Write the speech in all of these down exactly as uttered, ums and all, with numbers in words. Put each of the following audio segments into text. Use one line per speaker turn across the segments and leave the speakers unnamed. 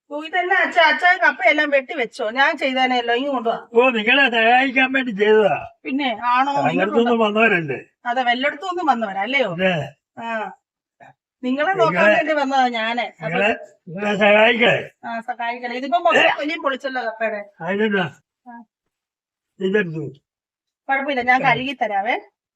ഇതന്നെ അച്ഛ അച്ഛൻ കപ്പയെല്ലാം വെട്ടി വെച്ചോ, ഞാൻ ചെയ്തേനെല്ലോ ഇങ്ങ് കൊണ്ടുവാ.
ഓ നിങ്ങളെ സഹായിക്കാൻ വേണ്ടി ചെയ്തതാ.
പിന്നെ ആണോ?
വല്ലയിടത്തുനിന്നും വന്നവരല്ലേ?
അതെ, വല്ലയിടത്തുനിന്നും വന്നവരാ അല്ലയോ?
അതെ.
ആ നിങ്ങളെ നോക്കാൻ വേണ്ടി വന്നതാ ഞാന്.
നിങ്ങളെ നിങ്ങളെ സഹായിക്കേ.
ആ സഹായിക്കണേ. ഇതിപ്പോ മൊത്തം വലിയും പൊളിച്ചല്ലോ കപ്പയുടെ.
അതിനെന്താ ഇതെടുത്തു.
കുഴപ്പമില്ല, ഞാൻ കഴുകി തരാവേ.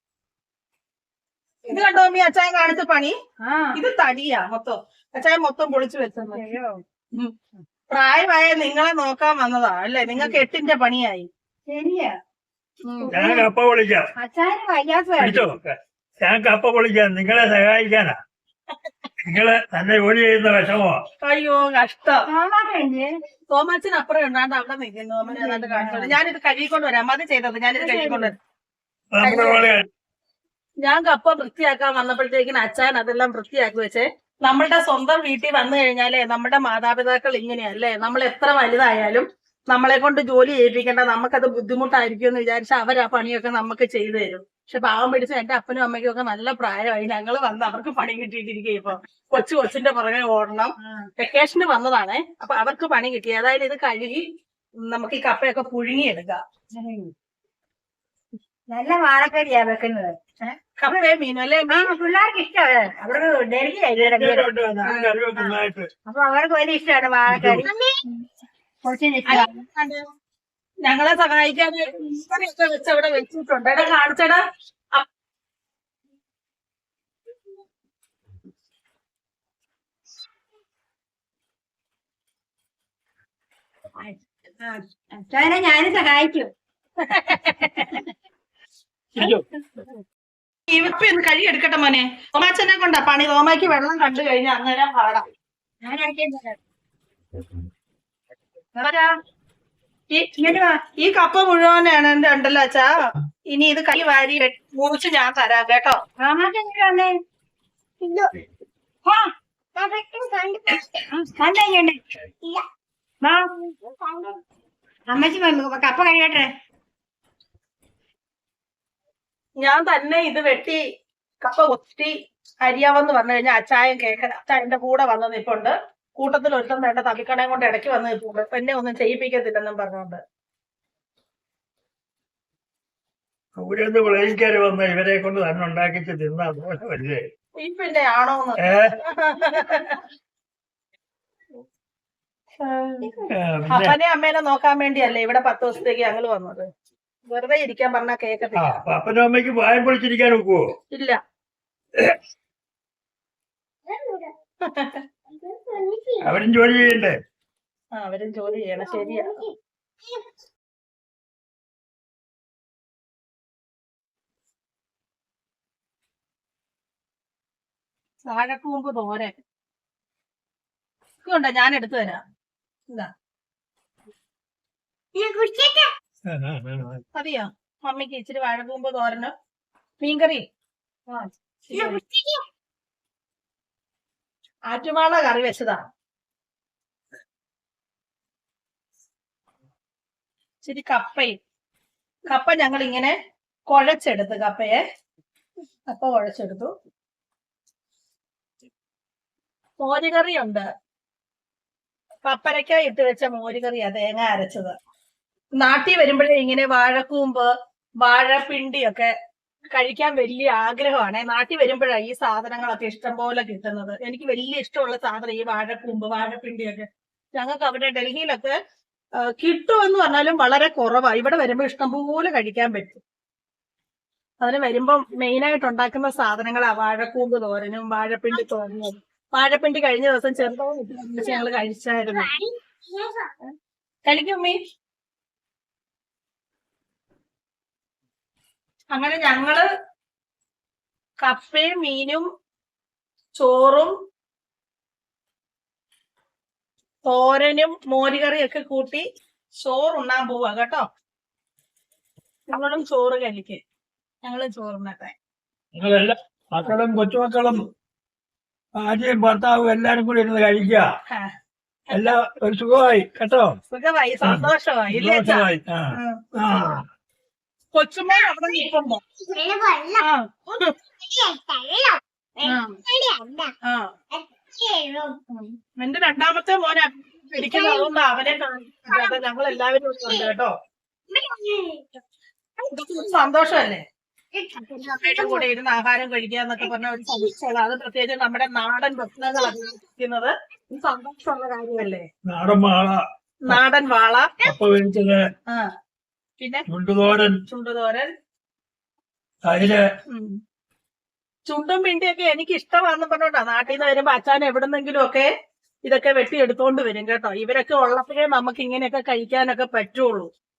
ഇത് കണ്ടോ അമ്മി അച്ചായൻ കാണിച്ച പണി? ഇത് തടിയാ മൊത്തം. അച്ചായൻ മൊത്തം പൊളിച്ചു വെച്ചത്. പ്രായമായ നിങ്ങളെ നോക്കാൻ വന്നതാ അല്ലേ? നിങ്ങൾക്ക് എട്ടിന്റെ പണിയായി.
ശരിയാ.
ഞാൻ കപ്പ പൊളിക്കാം.
അച്ചായന് വയ്യാത്ത
പിടിച്ചോ, ഞാൻ കപ്പ പൊളിക്കാം. നിങ്ങളെ സഹായിക്കാനാ. നിങ്ങള് തന്നെ ജോലി ചെയ്യുന്ന വിഷമോ?
അയ്യോ കഷ്ടം.
മാമാക്കല്ലേ
തോമാച്ചൻ അപ്പുറം ഉണ്ടാണ്ട് അവിടെ നിൽക്കുന്നു. അമ്മ ഏതാണ്ട് കാണിച്ചോളൂ. ഞാനിത് കഴുകിക്കൊണ്ട് വരാം. അത് ചെയ്തത് ഞാനിത് കഴുകിക്കൊണ്ട് വരാം.
നമ്മുടെ പോലെ
ഞാൻ കപ്പ വൃത്തിയാക്കാൻ വന്നപ്പോഴത്തേക്കിന് അച്ഛൻ അതെല്ലാം വൃത്തിയാക്കി വെച്ചേ. നമ്മളുടെ സ്വന്തം വീട്ടിൽ വന്നു കഴിഞ്ഞാലേ നമ്മുടെ മാതാപിതാക്കൾ ഇങ്ങനെയല്ലേ, നമ്മൾ എത്ര വലുതായാലും നമ്മളെ കൊണ്ട് ജോലി ചെയ്യിപ്പിക്കേണ്ട, നമുക്കത് ബുദ്ധിമുട്ടായിരിക്കും എന്ന് വിചാരിച്ചാൽ അവർ ആ പണിയൊക്കെ നമുക്ക് ചെയ്തു തരും. പക്ഷെ പാവം പിടിച്ച എന്റെ അപ്പനും അമ്മയ്ക്കും ഒക്കെ നല്ല പ്രായമായി. ഞങ്ങൾ വന്ന് അവർക്ക് പണി കിട്ടിയിട്ടിരിക്കുക. ഇപ്പൊ കൊച്ചു കൊച്ചിന്റെ പുറകെ ഓടണം. വെക്കേഷന് വന്നതാണേ. അപ്പൊ അവർക്ക് പണി കിട്ടി. അതായത് ഇത് കഴുകി നമുക്ക് ഈ കപ്പയൊക്കെ പുഴുങ്ങിയെടുക്കാം.
നല്ല വാഴക്കറിയാ വെക്കുന്നത്.
കപ്പയെ മീനും അല്ലേ?
പിള്ളേർക്ക് ഇഷ്ടമാണ്. അവർക്ക് ഡൽഹിയായി അപ്പൊ അവർക്ക് വലിയ ഇഷ്ടമാണ് വാഴക്കറി. കുറച്ചിന് ഇഷ്ടമാണ്.
ഞങ്ങളെ സഹായിക്കാൻ കറിയൊക്കെ വെച്ച് അവിടെ വെച്ചിട്ടുണ്ട്. എടാ കാണിച്ചടാ.
അച്ഛനെ ഞാനും സഹായിക്കും.
ഇവപ്പ് ഒന്ന് കഴുകി എടുക്കട്ടെ മോനെ. തോമാച്ചനെ കൊണ്ടാ പണി. തോമാക്ക് വെള്ളം കണ്ടു കഴിഞ്ഞാൽ അന്നേരം പാടാം.
ഞാൻ അടിക്കാൻ
ഈ കപ്പ മുഴുവനാണ് എന്റെ ഉണ്ടല്ലോ അച്ഛാ. ഇനി ഇത് കൈ വാരി മുറിച്ച് ഞാൻ തരാം കേട്ടോ.
മാമാക്കെങ്ങനെ അമ്മച്ചി കപ്പ കഴിയട്ടെ.
ഞാൻ തന്നെ ഇത് വെട്ടി കപ്പ ഒത്തി അരിയാവെന്ന് പറഞ്ഞു കഴിഞ്ഞാൽ അച്ചായൻ കേൾക്കണ. അച്ചായന്റെ കൂടെ വന്ന് നിൽപ്പുണ്ട്. കൂട്ടത്തിൽ ഒരുത്തം വേണ്ട തവിക്കണയും കൊണ്ട് ഇടയ്ക്ക് വന്ന് നിൽപ്പുണ്ട്. എന്നെ ഒന്നും ചെയ്യിപ്പിക്കത്തില്ലെന്നും പറഞ്ഞോണ്ട്.
അവിടെ നിന്ന് വിളയിക്കാര് വന്ന് ഇവരെ കൊണ്ട് തന്നെ ഉണ്ടാക്കിച്ച് തിന്നാ പോലെ വല്ലേ?
ഈ പിന്നെ ആണോന്ന് അപ്പനെ അമ്മേനെ നോക്കാൻ വേണ്ടിയല്ലേ ഇവിടെ പത്ത് ദിവസത്തേക്ക് ഞങ്ങൾ വന്നത്. വെറുതെ ഇരിക്കാൻ പറഞ്ഞാ കേക്കത്തില്ല.
അപ്പനും അമ്മയ്ക്ക് വായ പൊളിച്ചിരിക്കാൻ നോക്കുവോ?
ഇല്ല.
അവരും ജോലി ചെയ്യണ്ടേ?
ആ അവരും ജോലി ചെയ്യണം. ശരിയാ. വാഴക്കൂമ്പ് തോരൻ ഇതുണ്ടോ? ഞാൻ എടുത്തു തരാം. ഇതാ മതിയോ മമ്മിക്ക്? ഇച്ചിരി വാഴക്കൂമ്പ് തോരന് മീൻകറി. ആറ്റുമാള കറി വെച്ചതാ. ഇച്ചിരി കപ്പയും. കപ്പ ഞങ്ങൾ ഇങ്ങനെ കുഴച്ചെടുത്ത് കപ്പയെ കപ്പ കുഴച്ചെടുത്തു. മോരുകറിയുണ്ട്. പപ്പരക്ക ഇട്ട് വെച്ച മോരുകറിയാ, തേങ്ങ അരച്ചത്. നാട്ടിൽ വരുമ്പോഴേ ഇങ്ങനെ വാഴക്കൂമ്പ് വാഴപ്പിണ്ടിയൊക്കെ കഴിക്കാൻ വലിയ ആഗ്രഹമാണ്. നാട്ടിൽ വരുമ്പോഴാണ് ഈ സാധനങ്ങളൊക്കെ ഇഷ്ടം പോലെ കിട്ടുന്നത്. എനിക്ക് വലിയ ഇഷ്ടമുള്ള സാധനം ഈ വാഴക്കൂമ്പ് വാഴപ്പിണ്ടിയൊക്കെ. ഞങ്ങൾക്ക് അവിടെ ഡൽഹിയിലൊക്കെ കിട്ടുമെന്ന് പറഞ്ഞാലും വളരെ കുറവാണ്. ഇവിടെ വരുമ്പോൾ ഇഷ്ടംപോലെ കഴിക്കാൻ പറ്റും. അതിന് വരുമ്പം മെയിനായിട്ട് ഉണ്ടാക്കുന്ന സാധനങ്ങളാ വാഴക്കൂമ്പ് തോരനും വാഴപ്പിണ്ടി തോരനും. വാഴപ്പിണ്ടി കഴിഞ്ഞ ദിവസം ചെറുതായി ഞങ്ങൾ കഴിച്ചായിരുന്നു. കഴിക്കും മീ. അങ്ങനെ ഞങ്ങള് കപ്പയും മീനും ചോറും തോരനും മോരുകറിയൊക്കെ കൂട്ടി ചോറുണ്ണാൻ പോവാ കേട്ടോ. ഞങ്ങളും ചോറ് കഴിക്ക്. ഞങ്ങളും ചോറുണ്ണട്ടെ.
നിങ്ങളെല്ലാം മക്കളും കൊച്ചുമക്കളും ഭാര്യയും ഭർത്താവും എല്ലാരും കൂടി ഇരുന്ന് കഴിക്കുക. എല്ലാം ഒരു സുഖമായി കേട്ടോ.
സുഖമായി, സന്തോഷമായി.
സന്തോഷമായി. ആ
കൊച്ചുമോൻ അവിടെ നിൽക്കുമ്പോ എന്റെ രണ്ടാമത്തെ മോനെ പിടിക്കുന്നത് അതുകൊണ്ട് അവനെ കാണാതെ ഞങ്ങൾ എല്ലാവരും ഇവിടെ ഉണ്ട് കേട്ടോ. ഇതൊക്കെ ഒരു സന്തോഷമല്ലേ, അമ്മയുടെ കൂടെ ഇരുന്ന് ആഹാരം കഴിക്കുക എന്നൊക്കെ പറഞ്ഞ ഒരു സന്തോഷമാണ്. അത് പ്രത്യേകിച്ച് നമ്മുടെ നാടൻ ഭക്ഷണങ്ങൾ അഭിനയിക്കുന്നത് സന്തോഷമുള്ള കാര്യമല്ലേ.
നാടൻ വാള,
നാടൻ വാള,
കപ്പ വേവിച്ചത്,
ആ പിന്നെ
ചുണ്ടുതോരൻ,
ചുണ്ടുതോരൻ,
തൈര്.
ഉം. ചുണ്ടും പിണ്ടിയൊക്കെ എനിക്ക് ഇഷ്ടമാണെന്ന് പറഞ്ഞോണ്ടാ നാട്ടിൽ നിന്ന് വരുമ്പോ അച്ഛൻ എവിടുന്നെങ്കിലും ഒക്കെ ഇതൊക്കെ വെട്ടി എടുത്തോണ്ട് വരും കേട്ടോ. ഇവരൊക്കെ ഉള്ളപ്പോഴേ നമുക്ക് ഇങ്ങനെയൊക്കെ കഴിക്കാനൊക്കെ പറ്റുള്ളൂ.